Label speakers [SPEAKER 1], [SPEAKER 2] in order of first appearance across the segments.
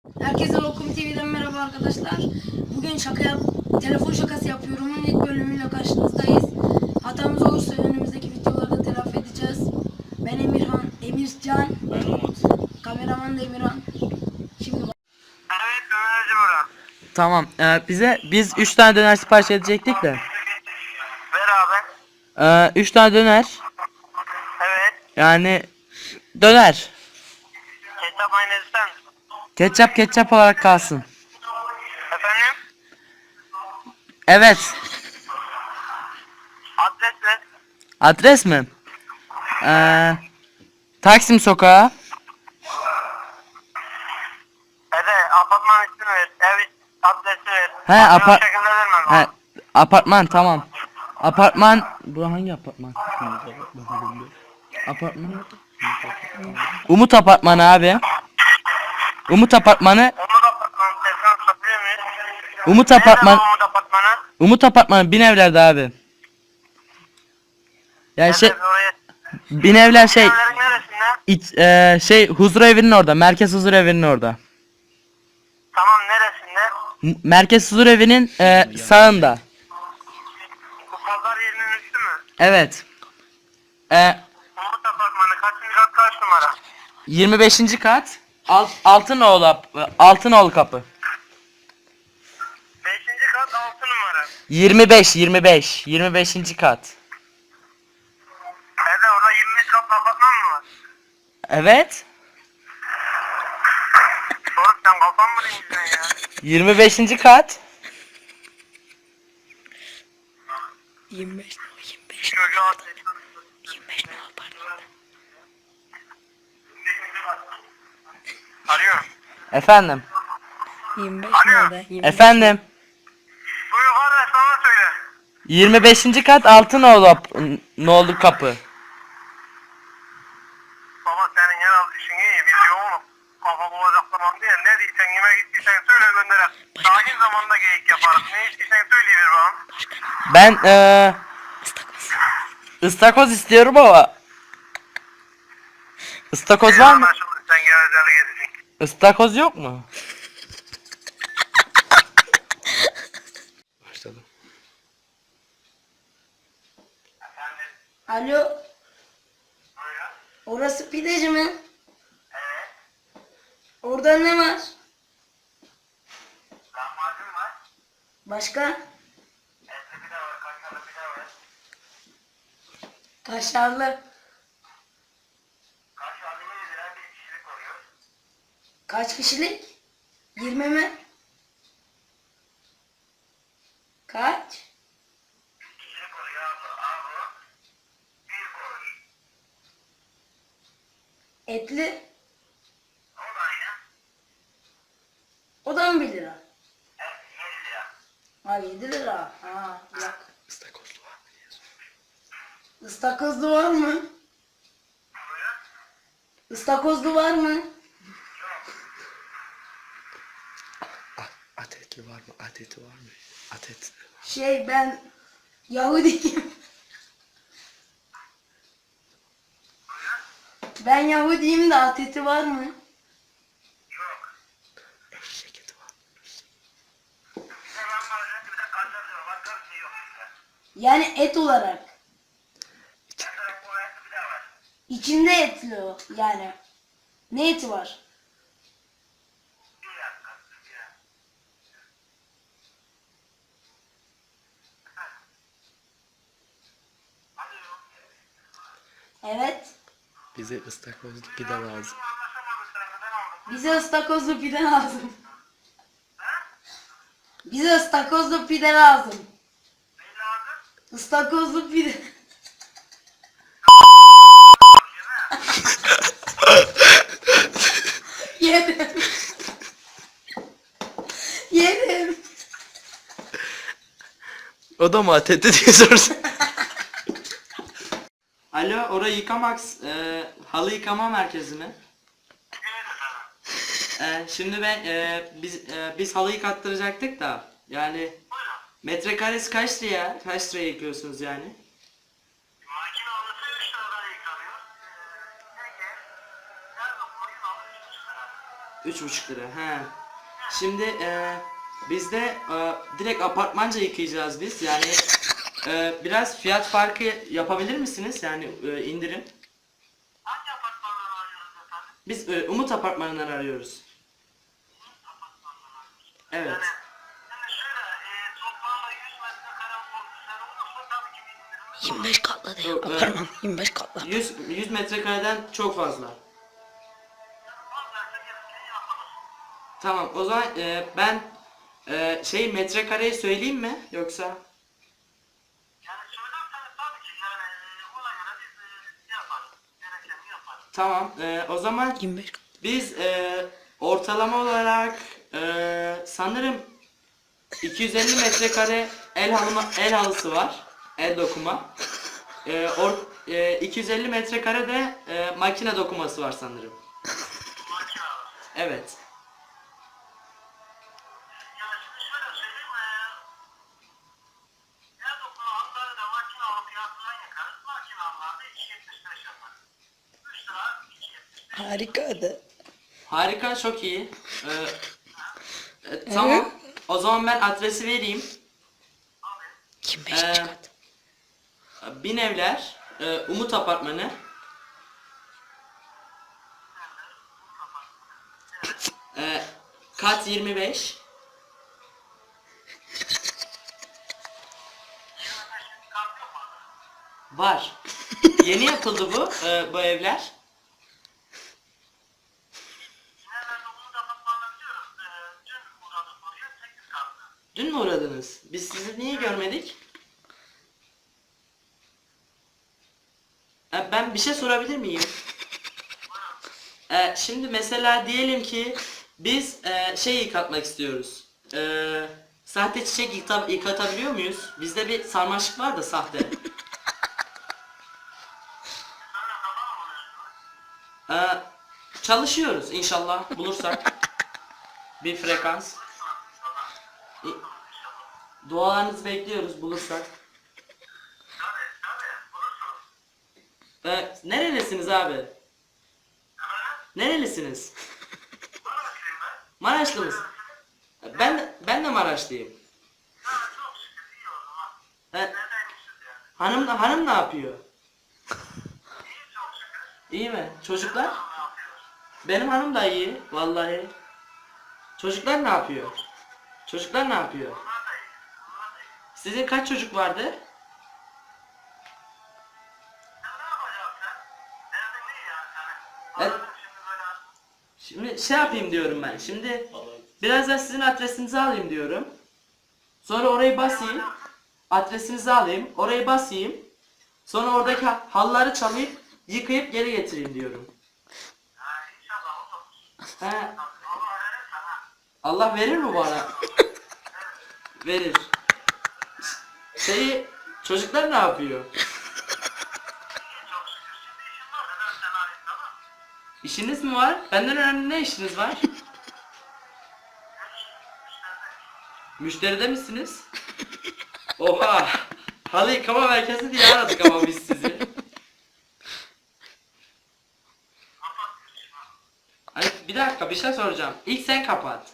[SPEAKER 1] Herkese Lokum TV'den merhaba arkadaşlar. Bugün telefon şakası yapıyorumun ilk bölümüyle karşınızdayız. Hatamız olursa önümüzdeki videolarda telafi edeceğiz. Ben Emircan.
[SPEAKER 2] Ben Umut.
[SPEAKER 1] Kameraman da Emirhan. Şimdi
[SPEAKER 3] Evet, dönerci bura.
[SPEAKER 2] Tamam. Biz 3 tane döner sipariş edecektik de.
[SPEAKER 3] Ver abi.
[SPEAKER 2] 3 tane döner.
[SPEAKER 3] Evet.
[SPEAKER 2] Yani döner.
[SPEAKER 3] Ketçap mayonez ister misin?
[SPEAKER 2] Ketçap olarak kalsın.
[SPEAKER 3] Efendim?
[SPEAKER 2] Evet.
[SPEAKER 3] Adres ver.
[SPEAKER 2] Adres mi? Taksim Sokağı.
[SPEAKER 3] Apartman ismini ver. Ev adresi ver.
[SPEAKER 2] He,
[SPEAKER 3] Başka bir şekilde vermem.
[SPEAKER 2] He, apartman tamam. Apartman. Bu hangi apartman? Apartman. Umut Apartmanı abi. Umut Apartmanı.
[SPEAKER 3] Umut Apartman telefon satıyor muyuz?
[SPEAKER 2] Umut
[SPEAKER 3] Nerede
[SPEAKER 2] Apartman.
[SPEAKER 3] bu Umut Apartmanı?
[SPEAKER 2] Umut Apartmanı Binevler'de abi. Yani
[SPEAKER 3] Nerede oraya?
[SPEAKER 2] Binevler
[SPEAKER 3] Evlerin neresinde?
[SPEAKER 2] Huzur Evi'nin orada. Merkez Huzur Evi'nin orada.
[SPEAKER 3] Tamam, neresinde?
[SPEAKER 2] Merkez Huzur Evi'nin sağında.
[SPEAKER 3] Bu pazar yerinin üstü mü?
[SPEAKER 2] Evet.
[SPEAKER 3] Umut Apartmanı kaçıncı kat kaç numara?
[SPEAKER 2] 25. kat. Altınoğlu kapı.
[SPEAKER 3] 5. kat 6 numara.
[SPEAKER 2] 25. kat.
[SPEAKER 3] Nerede orada 25 kat apartman mı var?
[SPEAKER 2] Evet.
[SPEAKER 3] Sorup sen kafan mı dinledin ya?
[SPEAKER 2] 25. kat.
[SPEAKER 1] 25
[SPEAKER 3] Çocuğu at.
[SPEAKER 1] 25 ne yapar?
[SPEAKER 3] Arıyorum.
[SPEAKER 2] Efendim.
[SPEAKER 1] 25
[SPEAKER 3] Alo.
[SPEAKER 1] nerede? 25.
[SPEAKER 2] Efendim.
[SPEAKER 3] Buyur kardeş, sana söyle.
[SPEAKER 2] 25. kat Altınoğlu kapı.
[SPEAKER 3] Baba senin herhalde işin iyi. Biz yoğunum. Kafa bulacak zaman değil. Ne diysen, yemek istiyorsan söyle gönderek. Sakin zamanda geyik yaparız. Ne istiyorsan söyleyiver bana.
[SPEAKER 2] Ben ıstakoz istiyorum ama ıstakoz var mı?
[SPEAKER 3] Anlaşıldı. Sen gevezeli gezeceksin.
[SPEAKER 2] Istakoz yok mu? Başladım.
[SPEAKER 1] Alo.
[SPEAKER 3] Buyurun.
[SPEAKER 1] Orası pideci mi?
[SPEAKER 3] Evet.
[SPEAKER 1] Orada ne var?
[SPEAKER 3] Lahmacun var.
[SPEAKER 1] Başka?
[SPEAKER 3] Etli pide var. Kaşarlı pide var.
[SPEAKER 1] Kaşarlı.
[SPEAKER 3] Kaşarlı 20 lira, bir kişilik oluyor.
[SPEAKER 1] Kaç kişilik? 20 mi? Kaç?
[SPEAKER 3] Kişilik oluyor abi. Bir kuruş.
[SPEAKER 1] Etli.
[SPEAKER 3] O da aynı.
[SPEAKER 1] O da mı 1 lira?
[SPEAKER 3] Evet, 7 lira.
[SPEAKER 1] Ha 7 lira. Ha yok.
[SPEAKER 2] Istakozlu var mı diye
[SPEAKER 1] Istakozlu var mı?
[SPEAKER 3] Buyurun.
[SPEAKER 1] Istakozlu var mı?
[SPEAKER 2] Atetli var mı? Ateti var mı? Atet.
[SPEAKER 1] Ben Yahudiyim. Ben Yahudiyim de ateti var mı?
[SPEAKER 3] Yok.
[SPEAKER 2] Eşek eti var mı?
[SPEAKER 3] Bir de lahmacun, bir de kaşarlı var. Başka bir şey yok.
[SPEAKER 1] Yani et olarak.
[SPEAKER 3] Mesela bu etli pide var.
[SPEAKER 1] İçinde etli o yani. Ne eti var?
[SPEAKER 3] Bir dakika. Bir dakika. Alo.
[SPEAKER 1] Evet.
[SPEAKER 2] Bize ıstakozlu pide lazım.
[SPEAKER 3] Anlaşamadık seninle, ben aldım.
[SPEAKER 1] Bize ıstakozlu pide lazım. Bize ıstakozlu pide lazım.
[SPEAKER 3] Ne lazım?
[SPEAKER 1] Istakozlu pide. Yedim. Yedim.
[SPEAKER 2] O da mı ateti diye sorsun. Alo, orayı Yıkamax halı yıkama merkezi mi? Şimdi biz halı yıkattıracaktık da yani metrekaresi kaç liraya? Kaç liraya yıkıyorsunuz yani?
[SPEAKER 3] Makine alısı 3 liradan yıkanıyor. Nerede? Nerede koyun alısı 3 lira.
[SPEAKER 2] 3,5 lira. He. Şimdi biz de direkt apartmanca yıkayacağız biz. Yani biraz fiyat farkı yapabilir misiniz? Yani indirim.
[SPEAKER 3] Hangi apartmandan arıyorsunuz efendim?
[SPEAKER 2] Biz Umut Apartmanı'ndan arıyoruz. Evet.
[SPEAKER 3] Yani şimdi şöyle toplamda 100 metrekare olursa tabii ki bir indirim.
[SPEAKER 1] 25 katlı diyor.
[SPEAKER 2] Yok,
[SPEAKER 1] Apartman 25 katlı.
[SPEAKER 2] 100 metrekareden çok fazla.
[SPEAKER 3] Fazlaysa gerisini yapalım.
[SPEAKER 2] Tamam, o zaman ben metrekareyi söyleyeyim mi yoksa?
[SPEAKER 3] Yani söylerseniz tabii ki yani ona göre biz yaparız. Gerekeni yaparız.
[SPEAKER 2] Tamam, o zaman
[SPEAKER 1] 25 katlı.
[SPEAKER 2] biz ortalama olarak sanırım 250 metrekare el halısı var, el dokuma. 250 metrekare de makine dokuması var sanırım.
[SPEAKER 3] Makine.
[SPEAKER 2] Evet.
[SPEAKER 3] Yani şimdi şöyle söyleyeyim. Her dokuma hatları da makine alıp fiyatından yakarız. Makine alılarda 2.75 yapar. 3 lira 2.75.
[SPEAKER 1] Harikaydı.
[SPEAKER 2] Harika, çok iyi. Tamam. O zaman ben adresi vereyim.
[SPEAKER 1] 25
[SPEAKER 2] Ee,
[SPEAKER 1] kat.
[SPEAKER 2] Binevler, Umut Apartmanı. Kat 25. Var. Yeni yapıldı bu evler.
[SPEAKER 3] Nerede olduğunu da anlatmanı biliyoruz. Dün uğradık oraya 8 katlı.
[SPEAKER 2] Dün mü uğradınız? Biz sizi niye görmedik? Ben bir şey sorabilir miyim? Şimdi mesela diyelim ki biz yıkatmak istiyoruz. Sahte çiçek yıkatabiliyor muyuz? Bizde bir sarmaşık var da sahte. Çalışıyoruz inşallah bulursak bir frekans. Dualarınızı bekliyoruz bulursak. Nerelisiniz abi? Nerelisiniz? Maraşlı mısın? Ben de Maraşlıyım. Hanım ne yapıyor? İyi mi? Çocuklar? Benim hanım da iyi vallahi. Çocuklar ne yapıyor? Çocuklar ne yapıyor? Sizin kaç çocuk vardı? Evet. Şimdi şey yapayım diyorum ben. Şimdi birazdan sizin adresinizi alayım diyorum. Sonra orayı basayım. Adresinizi alayım. Orayı basayım. Sonra oradaki halıları çalayıp yıkayıp geri getireyim diyorum. He. Allah verir mi bana? Verir. Çocuklar ne yapıyor? İşiniz mi var? Benden önemli ne işiniz var? Müşteride misiniz? Oha! Halı yıkama merkezi diye aradık ama biz sizi. Ay, bir dakika bir şey soracağım. İlk sen kapat.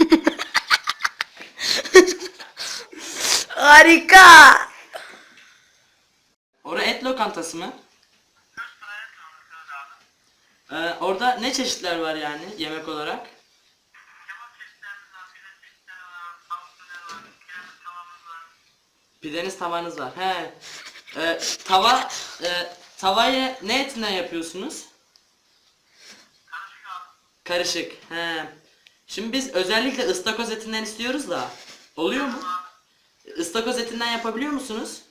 [SPEAKER 1] Harika.
[SPEAKER 2] Orada et lokantası mı? Orada ne çeşitler var yani yemek olarak? Pideniz tavanız var. He. Tavayı ne etinden yapıyorsunuz? Karışık. He. Şimdi biz özellikle ıstakoz etinden istiyoruz da. Oluyor mu? Istakoz etinden yapabiliyor musunuz?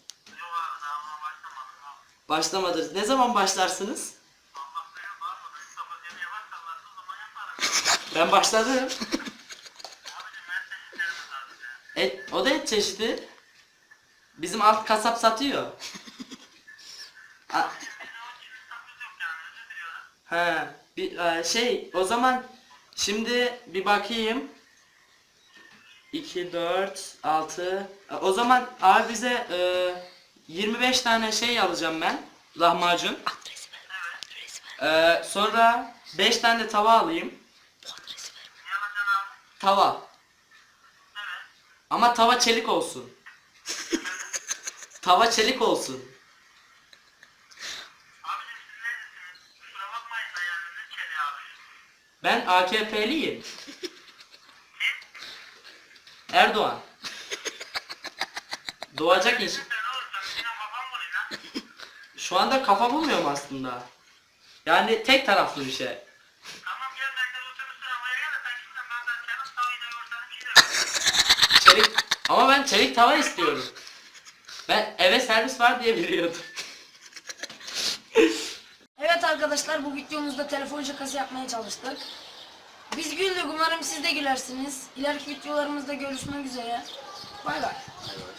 [SPEAKER 2] Başlamadınız. Ne zaman başlarsınız? Ben başladım. O da et çeşidi. Bizim alt kasap satıyor. O zaman şimdi bir bakayım. 2, 4, 6. O zaman abi bize 25 tane şey alacağım ben. Lahmacun.
[SPEAKER 1] Adresi ver.
[SPEAKER 2] Sonra 5 tane de tava alayım.
[SPEAKER 1] Bu adresi
[SPEAKER 2] Tava. Ama tava çelik olsun. Tava çelik olsun.
[SPEAKER 3] Abicim siz neredesiniz? Kusura bakmayın da yani ne çeli abi.
[SPEAKER 2] Ben AKP'liyim. Erdoğan. Doğacak iş.
[SPEAKER 3] Sen olursan yine kafam bulayım lan.
[SPEAKER 2] Şu anda kafa bulmuyorum aslında. Yani tek taraflı bir şey.
[SPEAKER 3] Tamam gel ben de otobüs aramaya gel de sen gitsen ben de senin tavayı da yorsanım giderim.
[SPEAKER 2] Çelik. Ama ben çelik tava istiyorum. Ben eve servis var diye biliyordum.
[SPEAKER 1] Evet arkadaşlar, bu videomuzda telefon şakası yapmaya çalıştık. Biz güldük, umarım siz de gülersiniz. İleriki videolarımızda görüşmek üzere. Bay bay.